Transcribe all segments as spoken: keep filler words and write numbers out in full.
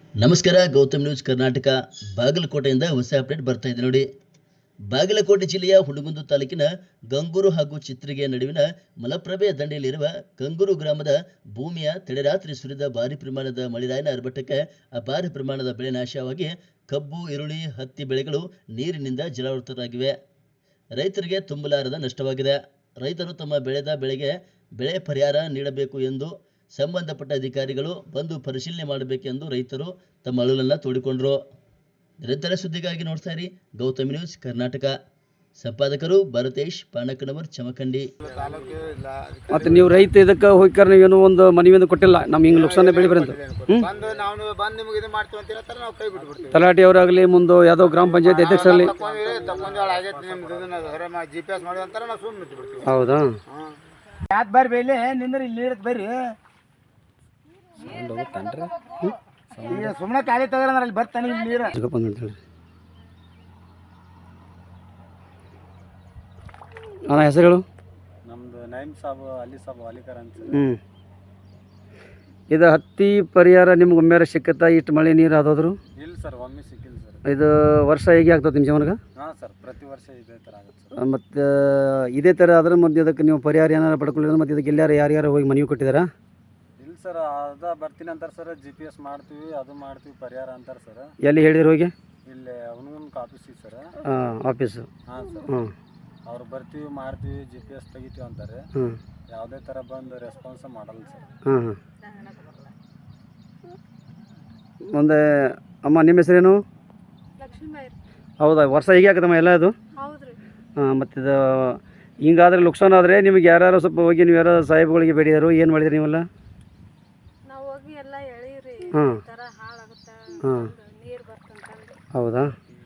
ನಮಸ್ಕಾರ. ಗೌತಮ್ ನ್ಯೂಸ್ ಕರ್ನಾಟಕ ಬಾಗಲಕೋಟೆಯಿಂದ ಹೊಸ ಅಪ್ಡೇಟ್ ಬರ್ತಾ ಇದೆ ನೋಡಿ. ಬಾಗಲಕೋಟೆ ಜಿಲ್ಲೆಯ ಹುಣಗುಂದ ತಾಲೂಕಿನ ಗಂಗೂರು ಹಾಗೂ ಚಿತ್ರಿಗೆ ನಡುವಿನ ಮಲಪ್ರಭೆಯ ದಂಡೆಯಲ್ಲಿರುವ ಗಂಗೂರು ಗ್ರಾಮದ ಭೂಮಿಯ ತಡೆರಾತ್ರಿ ಸುರಿದ ಭಾರಿ ಪ್ರಮಾಣದ ಮಳೆರಾಯನ ಆರ್ಭಟಕ್ಕೆ ಅಪಾರ ಪ್ರಮಾಣದ ಬೆಳೆ ನಾಶವಾಗಿ ಕಬ್ಬು, ಈರುಳ್ಳಿ, ಹತ್ತಿ ಬೆಳೆಗಳು ನೀರಿನಿಂದ ಜಲಾವೃತರಾಗಿವೆ. ರೈತರಿಗೆ ತುಂಬಲಾರದ ನಷ್ಟವಾಗಿದೆ. ರೈತರು ತಮ್ಮ ಬೆಳೆದ ಬೆಳೆಗೆ ಬೆಳೆ ಪರಿಹಾರ ನೀಡಬೇಕು ಎಂದು ಸಂಬಂಧಪಟ್ಟ ಅಧಿಕಾರಿಗಳು ಬಂದು ಪರಿಶೀಲನೆ ಮಾಡಬೇಕೆಂದು ರೈತರು ತಮ್ಮ ಅಳುಲನ್ನು ತೋಡಿಕೊಂಡರು. ನಿರಂತರ ಸುದ್ದಿಗಾಗಿ ನೋಡ್ತಾ ಇರಿ ಗೌತಮ್ ನ್ಯೂಸ್ ಕರ್ನಾಟಕ. ಸಂಪಾದಕರು ಭರತೇಶ್ ಪಾಣಕನವರ್, ಚಮಕಂಡಿ. ಮತ್ತೆ ನೀವು ರೈತ ಇದಕ್ಕೆ ಹೋಗ್ಕಾರ ನೀವೇನು ಒಂದು ಮನವಿಯನ್ನು ಕೊಟ್ಟಿಲ್ಲ, ನಮ್ಗೆ ಹಿಂಗೆ ನುಕ್ಸಾನ ಬೆಳೆ ಬರಂತ ತಲಾಟಿ ಅವರಾಗಲಿ ಮುಂದೆ ಯಾವುದೋ ಗ್ರಾಮ ಪಂಚಾಯತ್ ಅಧ್ಯಕ್ಷರಲ್ಲಿ. ಹೌದಾ? ಯಾತ್ ಬರ್ರಿ ಬೇಲಿ ನಿಂದ್ರಿ ಇಲ್ಲಿ ನೀರತ್ ಬರ್ರಿ ಸುಮ್ಮನೆ ಖಾಲಿ ತಗೋರಂದ್ರೆ ಅಲ್ಲಿ ಬರ್ತಾನೆ ಇಲ್ಲಿ ನೀರು ಅಂತೇಳಿ. ಅಣ್ಣ ಹೆಸರುಗಳು? ನಮ್ದು ನೈಮ್ ಸಾಬು ಅಲಿ ಸಾಬು ಅಲಿಕರ್ ಅಂತ. ಹ್ಞೂ ಇದು ಹತ್ತಿ ಪರಿಹಾರ ನಿಮ್ಗೆ ಒಮ್ಮೆರ ಸಿಕ್ಕತ್ತಾ? ಇಷ್ಟು ಮಳೆ ನೀರು ಆದೋದ್ರು? ಇಲ್ಲ ಸರ್, ಒಮ್ಮೆ ಸಿಕ್ಕಿಲ್ಲ ಸರ್. ಇದು ವರ್ಷ ಹೇಗೆ ಆಗ್ತದೆ ನಿಮ್ಮ ಜೀವನಕ್ಕೆ? ಹಾಂ ಸರ್, ಪ್ರತಿ ವರ್ಷ ಇದೇ ಥರ ಆಗುತ್ತೆ ಸರ್. ಮತ್ತು ಇದೇ ಥರ ಆದ್ರೆ ಮತ್ತೆ ಇದಕ್ಕೆ ನೀವು ಪರಿಹಾರ ಏನಾರು ಪಡ್ಕೊಳ್ಳಿ? ಮತ್ತು ಇದಕ್ಕೆ ಎಲ್ಲಾರು ಯಾರ್ಯಾರು ಹೋಗಿ ಮನವಿ ಕೊಟ್ಟಿದ್ದಾರಾ? ಇಲ್ಲ ಸರ್, ಅದ ಬರ್ತೀನಿ ಅಂತಾರೆ ಸರ್. ಜಿ ಪಿ ಎಸ್ ಮಾಡ್ತೀವಿ, ಅದು ಮಾಡ್ತೀವಿ, ಪರಿಹಾರ ಅಂತಾರೆ ಸರ್. ಎಲ್ಲಿ ಹೇಳಿದ್ರು ಹೋಗಿ? ಇಲ್ಲಿ ಅವನಿಗೊಂದು ಆಫೀಸಿಗೆ ಸರ್. ಹಾಂ, ಆಫೀಸು. ಹಾಂ ಸರ್. ಹ್ಞೂ, ಅವ್ರು ಬರ್ತೀವಿ, ಮಾಡ್ತೀವಿ, ಜಿ ಪಿ ಎಸ್ ತೆಗಿತೀವಿ ಅಂತಾರೆ. ಹ್ಞೂ, ಯಾವುದೇ ಥರ ಬಂದು ರೆಸ್ಪಾನ್ಸ್ ಮಾಡಲ್ಲ ಸರ್. ಹಾಂ ಹಾಂ. ಮುಂದೆ ಅಮ್ಮ ನಿಮ್ಮ ಹೆಸರೇನು? ಹೌದಾ? ವರ್ಷ ಹೀಗೆ ಆಗತ್ತಮ್ಮ ಎಲ್ಲ ಇದು? ಹಾಂ. ಮತ್ತು ಇದು ಹಿಂಗಾದ್ರೆ ನುಕ್ಸಾನ ಆದರೆ ನಿಮಗೆ ಯಾರು ಸ್ವಲ್ಪ ಹೋಗಿ ನೀವು ಯಾರು ಸಾಹೇಬ್ಗಳಿಗೆ ಬೇಡಿದಾರು ಏನು ಮಾಡಿದ್ರಿ ನೀವೆಲ್ಲ? ಹಾಂ ಹಾಂ. ಹೌದಾ?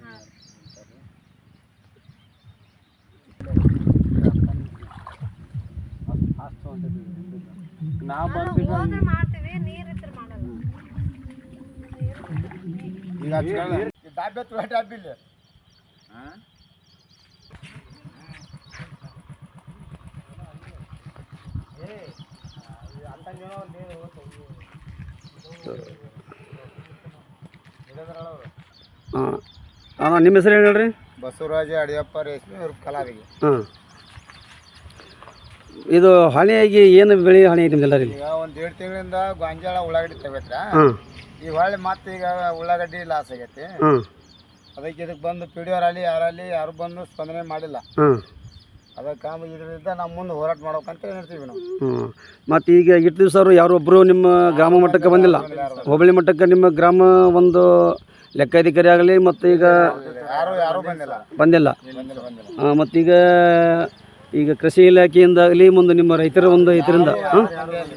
ನಾವು ಬರ್ತೀವಿ ಹಾಂ ಹಾಂ. ನಿಮ್ಮ ಹೆಸರು ಏನು ಹೇಳ್ರಿ? ಬಸವರಾಜ ಅಡಿಯಪ್ಪ ರೇಷ್ಮೆ ಅವ್ರ ಕಲಾವಿಗೆ. ಹಾಂ. ಇದು ಹಾನಿಯಾಗಿ ಏನು ಬೆಳೆ ಹಾನಿ ಐತಿ ನಿಮ್ದೆಲ್ಲ? ಈಗ ಒಂದು ಎರಡು ತಿಂಗಳಿಂದ ಗೊಂಜಾಳ ಉಳ್ಳಾಗಡ್ಡಿ ತೆಗತ್ರ. ಹಾಂ. ಈಗ ಹೊಳ್ಳಿ ಮತ್ತೆ ಈಗ ಉಳ್ಳಾಗಡ್ಡಿ ಲಾಸ್ ಆಗೈತಿ. ಹಾಂ. ಅದಕ್ಕೆ ಇದಕ್ಕೆ ಬಂದು ಪಿ ಡಿ ಅವರಲ್ಲಿ ಯಾರಲ್ಲಿ ಯಾರು ಬಂದು ಸ್ಪಂದನೆ ಮಾಡಿಲ್ಲ. ಹಾಂ. ಅದಕ್ಕೆ ಇದರಿಂದ ನಾವು ಮುಂದೆ ಹೋರಾಟ ಮಾಡ್ಬೇಕಂತ ಹೇಳ್ತೀವಿ ನಾವು. ಹ್ಞೂ. ಮತ್ತು ಈಗ ಇಟ್ಟು ದಿವಸ ಅವರು ಯಾರೊಬ್ಬರು ನಿಮ್ಮ ಗ್ರಾಮ ಮಟ್ಟಕ್ಕೆ ಬಂದಿಲ್ಲ? ಹೋಬಳಿ ಮಟ್ಟಕ್ಕೆ ನಿಮ್ಮ ಗ್ರಾಮ ಒಂದು ಲೆಕ್ಕಾಧಿಕಾರಿ ಆಗಲಿ ಮತ್ತು ಈಗ ಯಾರು ಯಾರು ಬಂದಿಲ್ಲ ಬಂದಿಲ್ಲ ಬಂದಿಲ್ಲ ಬಂದಿಲ್ಲ. ಹಾಂ. ಮತ್ತೀಗ ಈಗ ಕೃಷಿ ಇಲಾಖೆಯಿಂದ ಆಗಲಿ ಮುಂದೆ ನಿಮ್ಮ ರೈತರ ಒಂದು ಇದರಿಂದ ಹಾಂ.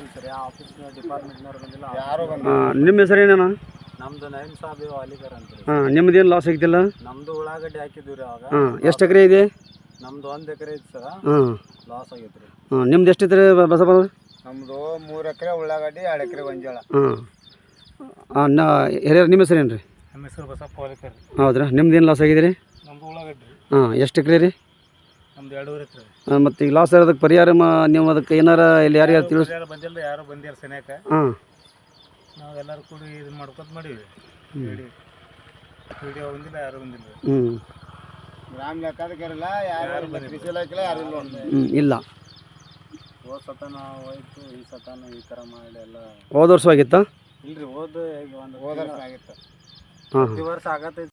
ಯಾರು ಬಂದಿಲ್ಲ. ಹಾಂ. ನಿಮ್ಮ ಹೆಸರೇನ? ನಮ್ದು ನೈಮ್ ಸಾಬು ಅಲಿಕರ್ ಅಂತ. ಹಾಂ. ನಿಮ್ಮದೇನು ಲಾಸ್ ಆಗಿದ್ದಿಲ್ಲ? ನಮ್ದು ಉಳ್ಳಾಗಡ್ಡಿ ಹಾಕಿದ್ವಿ ರೀ ಅವಾಗ. ಹಾಂ. ಎಷ್ಟು ಎಕರೆ ಇದೆ? ನಮ್ದು ಒಂದು ಎಕರೆ ಐತಿ ಸರ್. ಹಾಂ. ಲಾಸ್ ಆಗೈತೆ ರೀ. ಹಾಂ. ನಿಮ್ದು ಎಷ್ಟು ಐತ್ರಿ ಬಸಪ್ಪ? ನಮ್ದು ಮೂರು ಎಕರೆ ಉಳ್ಳಾಗಡ್ಡಿ, ಎರಡು ಎಕರೆ ಗೊಂಜಾಳ. ಹಾಂ ಹಾಂ. ನಾ ಹಿರಿಯರು ನಿಮ್ಮ ಹೆಸರೇನು ರೀ? ನಮ್ಮ ಹೆಸರು ಬಸಪ್ಪ ಅಲಿಕರ್. ಹೌದ್ರಾ? ನಿಮ್ದು ಏನು ಲಾಸ್ ಆಗಿದೆ ರೀ? ನಮ್ದು ಉಳ್ಳಾಗಡ್ಡಿ. ಹಾಂ. ಎಷ್ಟು ಎಕರೆ ರೀ? ನಮ್ದು ಎರಡೂವರೆ ಎಕರೆ. ಹಾಂ. ಮತ್ತು ಈಗ ಲಾಸ್ ಇರೋದಕ್ಕೆ ಪರಿಹಾರ ಮಾ ನೀವು ಅದಕ್ಕೆ ಏನಾರ ಇಲ್ಲಿ ಯಾರು ಯಾರು ತಿಳಿಸ್? ಯಾರು ಬಂದಿಲ್ಲ, ಯಾರು ಬಂದಿರ ಸೆನೆಕ. ಹಾಂ. ನಾವು ಎಲ್ಲರೂ ಕೂಡಿ ಇದನ್ನ ಮಾಡ್ಕೊತ ಮಾಡೀವಿ. ವಿಡಿಯೋ ಬಂದಿಲ್ಲ, ಯಾರು ಬಂದಿಲ್ಲ. ಹ್ಞೂ. ಗ್ರಾಮ ಲೆಕ್ಕಾಧಿಕಾರಿಲ್ಲ, ಯಾರು ಕೃಷಿ ಇಲಾಖೆ ಯಾರು ಇಲ್ಲ. ಹ್ಞೂ. ಇಲ್ಲ. ಹೋದ ಸತ ನಾವು ಹೋಯ್ತು, ಈ ಸತಾನ ಈ ಥರ ಮಾಡಿ ಎಲ್ಲ. ಹೋದ ವರ್ಷ ಆಗಿತ್ತಾ? ಇಲ್ರಿ, ಹೋದ ಈಗ ಒಂದು ಹೋದ ವರ್ಷ ಆಗಿತ್ತು. ಹಾಂ. ಪ್ರತಿ ವರ್ಷ ಆಗತ್ತೈತಿ.